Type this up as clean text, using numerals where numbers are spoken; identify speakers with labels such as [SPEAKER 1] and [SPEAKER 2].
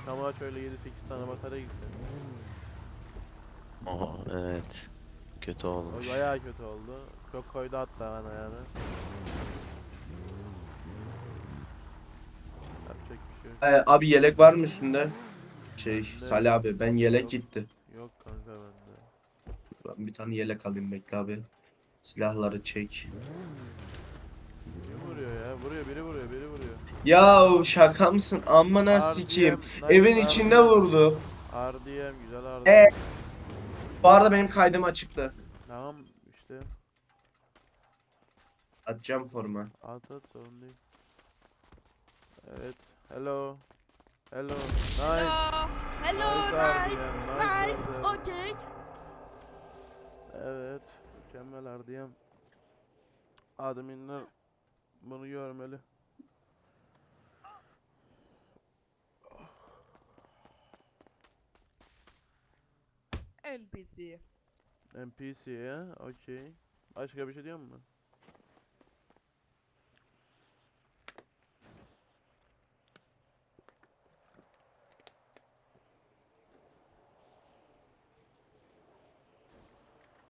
[SPEAKER 1] Çamağa şöyle 7-8 tane batarya gitti.
[SPEAKER 2] Aa, evet. Kötü
[SPEAKER 1] O
[SPEAKER 2] olmuş.
[SPEAKER 1] bayağı kötü oldu. Çok koydu hatta bana yani. Yapacak bir şey yok.
[SPEAKER 3] Abi yelek var mı üstünde?
[SPEAKER 1] Bende
[SPEAKER 3] Salih abi ben yelek
[SPEAKER 1] yok.
[SPEAKER 3] gitti.
[SPEAKER 1] Yok kanka bende.
[SPEAKER 3] Ben bir tane yelek alayım bekle abi. Silahları çek.
[SPEAKER 1] Kim vuruyor ya? Vuruyor, biri vuruyor, biri vuruyor.
[SPEAKER 3] Ya şaka mısın? Amına sikeyim.
[SPEAKER 1] RDM, nice
[SPEAKER 3] Evin içinde
[SPEAKER 1] RDM.
[SPEAKER 3] vurdu.
[SPEAKER 1] RDM, güzel
[SPEAKER 3] E,
[SPEAKER 1] RDM.
[SPEAKER 3] bu arada benim kaydım açıktı.
[SPEAKER 1] Tamam işte.
[SPEAKER 3] Atacağım forma.
[SPEAKER 1] At at, sorun değil. Evet. Hello. Hello. Nice.
[SPEAKER 4] Hello. Hello.
[SPEAKER 1] Nice
[SPEAKER 4] Nice.
[SPEAKER 1] RDM. Nice
[SPEAKER 4] Nice.
[SPEAKER 1] RDM.
[SPEAKER 4] Okay.
[SPEAKER 1] Evet. Mükemmel RDM. Adminler bunu görmeli.
[SPEAKER 4] NPC.
[SPEAKER 1] NPC ya. Okey. Başka bir şey diyor musun?